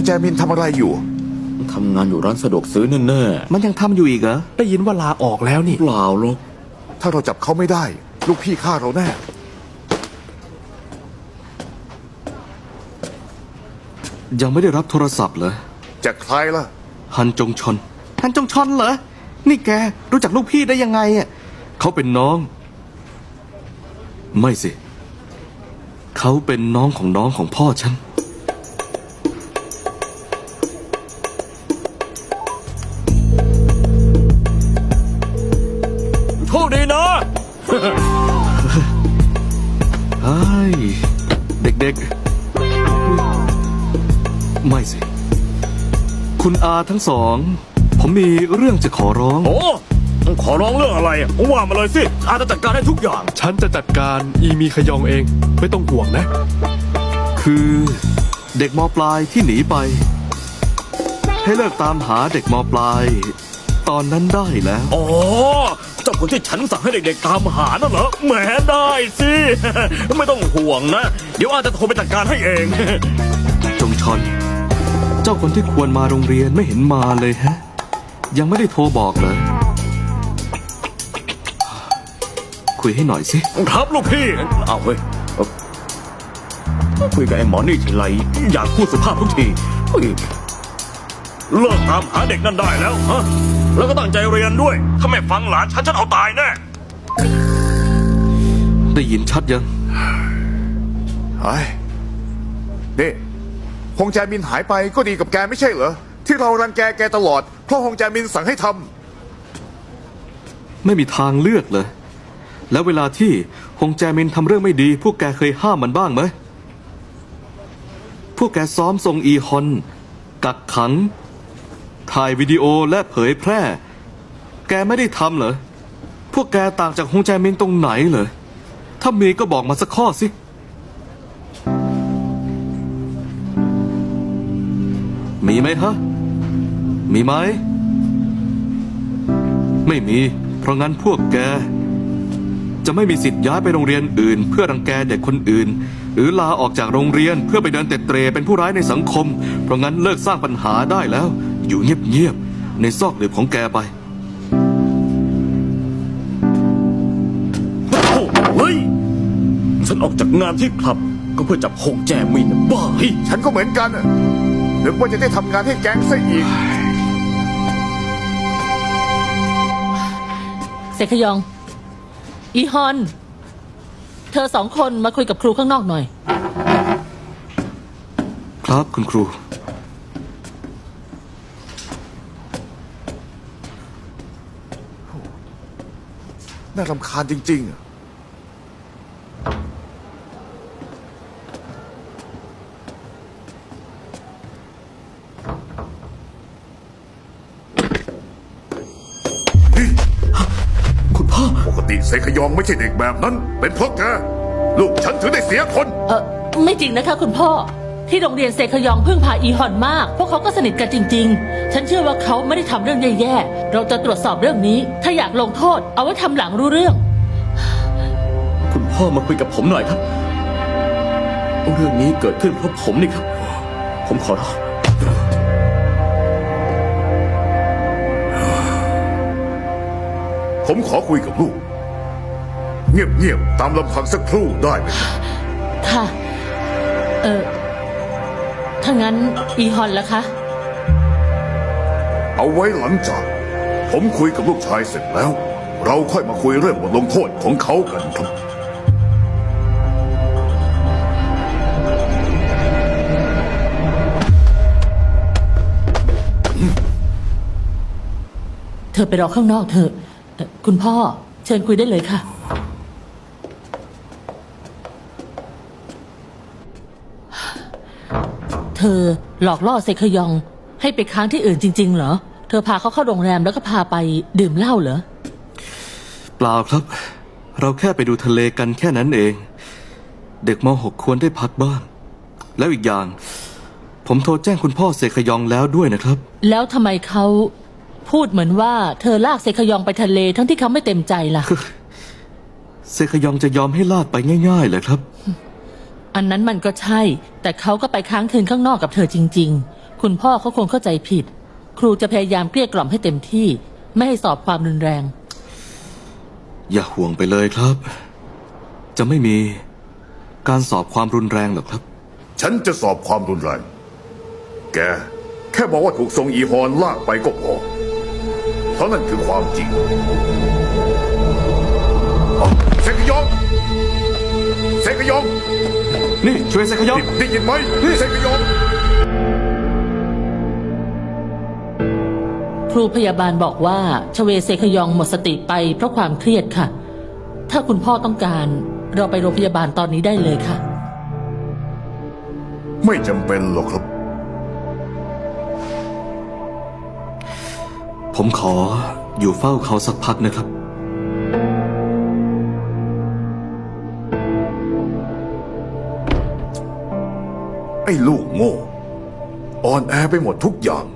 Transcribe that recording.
แจมินทำอะไรอยู่ทำงานอยู่ร้านสะดวกซื้อแน่ๆมันยังทำอยู่อีกเหรอได้ยินว่าลาออกแล้วนี่เปล่าหรอกถ้าเราจับเขาไม่ได้ลูกพี่ฆ่าเราแน่ยังไม่ได้รับโทรศัพท์เหรอจากใครล่ะฮันจงชอนฮันจงชอนเหรอนี่แกรู้จักลูกพี่ได้ยังไงอ่ะเขาเป็นน้องไม่สิเขาเป็นน้องของพ่อฉันโชคดีนะไอ้เด็กๆไม่สิคุณอาทั้งสองผมมีเรื่องจะขอร้องโอ้ขอร้องเรื่องอะไรว่ามาเลยสิอาจะจัดการได้ทุกอย่างฉันจะจัดการอีมีขยองเองไม่ต้องห่วงนะคือเด็กม.ปลายที่หนีไปให้เลิกตามหาเด็กม.ปลายตอนนั้นได้แล้วอ๋อเจ้าคนที่ฉันสั่งให้เด็กๆตามหานั่นเหรอแหมได้สิไม่ต้องห่วงนะเดี๋ยวอาจะโทรไปจัดการให้เองจงชอนเจ้าคนที่ควรมาโรงเรียนไม่เห็นมาเลยฮะยังไม่ได้โทรบอกเลยคุยให้หน่อยสิครับลูกพี่เอาเว้ยคุยกับไอ้หมอนี่ทีไรอยากพูดสุภาพทุกทีเลิกตามหาเด็กนั่นได้แล้วฮะแล้วก็ตั้งใจเรียนด้วยถ้าไม่ฟังหลานฉันเอาตายแน่ได้ยินชัดยังไอ้นี่ฮงแจมินหายไปก็ดีกับแกไม่ใช่เหรอที่เรารังแกตลอดเพราะฮงแจมินสั่งให้ทำไม่มีทางเลือกเลยแล้วเวลาที่ฮงแจมินทำเรื่องไม่ดีพวกแกเคยห้ามมันบ้างไหมพวกแกซ้อมทรงอีฮอนกักขังถ่ายวิดีโอและเผยแพร่แกไม่ได้ทำเหรอพวกแกต่างจากฮงแจมินตรงไหนเหรอถ้ามีก็บอกมาสักข้อสิมีไหมฮะมีไหมไม่มีเพราะงั้นพวกแกจะไม่มีสิทธิ์ย้ายไปโรงเรียนอื่นเพื่อรังแกเด็กคนอื่นหรือลาออกจากโรงเรียนเพื่อไปเดินเตะเตร่เป็นผู้ร้ายในสังคมเพราะงั้นเลิกสร้างปัญหาได้แล้วอยู่เงียบๆในซอกหลืบของแกไปเฮ้ยฉันออกจากงานที่คลับก็เพื่อจับฮงแจมินบ้าฉันก็เหมือนกันนึกว่าจะได้ทำงานให้แก๊งซะอีกเสกขยองอีฮอนเธอสองคนมาคุยกับครูข้างนอกหน่อยครับคุณครูน่ารำคาญจริงๆปกติเสกขยองไม่ใช่เด็กแบบนั้นเป็นเพราะแกลูกฉันถึงได้เสียคนไม่จริงนะคะคุณพ่อที่โรงเรียนเสกขยองพึ่งพาอีฮอนมากพวกเขาก็สนิทกันจริงๆฉันเชื่อว่าเขาไม่ได้ทำเรื่องแย่ๆเราจะตรวจสอบเรื่องนี้ถ้าอยากลงโทษเอาไว้ทำหลังรู้เรื่องคุณพ่อมาคุยกับผมหน่อยครับเรื่องนี้เกิดขึ้นเพราะผมนี่ครับผมขอร้องผมขอคุยกับลูกเงียบๆตามลำพังสักครู่ได้ไหมค่ะถ้างั้นอีฮอนล่ะคะเอาไว้หลังจากผมคุยกับลูกชายเสร็จแล้วเราค่อยมาคุยเรื่องบทลงโทษของเขากันครับเธอไปรอข้างนอกเถอะคุณพ่อเชิญคุยได้เลยค่ะเธอหลอกล่อเซคยองให้ไปค้างที่อื่นจริงๆเหรอเธอพาเขาเข้าโรงแรมแล้วก็พาไปดื่มเหล้าเหรอเปล่าครับเราแค่ไปดูทะเลกันแค่นั้นเองเด็กม.6ควรได้พักบ้างแล้วอีกอย่างผมโทรแจ้งคุณพ่อเซคยองแล้วด้วยนะครับแล้วทำไมเขาพูดเหมือนว่าเธอลากเซคยองไปทะเลทั้งที่เขาไม่เต็มใจล่ะเซคยองจะยอมให้ลากไปง่ายๆเหรอครับอันนั้นมันก็ใช่แต่เขาก็ไปค้างคืนข้างนอกกับเธอจริงๆคุณพ่อเขาคงเข้าใจผิด ครูจะพยายามเกลี้ยกล่อมให้เต็มที่ ไม่ให้สอบความรุนแรงอย่าห่วงไปเลยครับ จะไม่มีการสอบความรุนแรงหรอกครับฉันจะสอบความรุนแรง แก แค่บอกว่าถูกทรงอีฮอนลากไปก็พอ เพราะนั่นคือความจริงอ๋อเซกยอง เซกยองนี่ช่วยเซคยองได้ยินไหมเซกยองครูพยาบาลบอกว่าชเวเซคยองหมดสติไปเพราะความเครียดค่ะ ถ้าคุณพ่อต้องการเราไปโรงพยาบาลตอนนี้ได้เลยค่ะไม่จำเป็นหรอกครับผมขออยู่เฝ้าเขาสักพักนะครับไอ้ลูกโง่ อ่อนแอไปหมดทุกอย่าง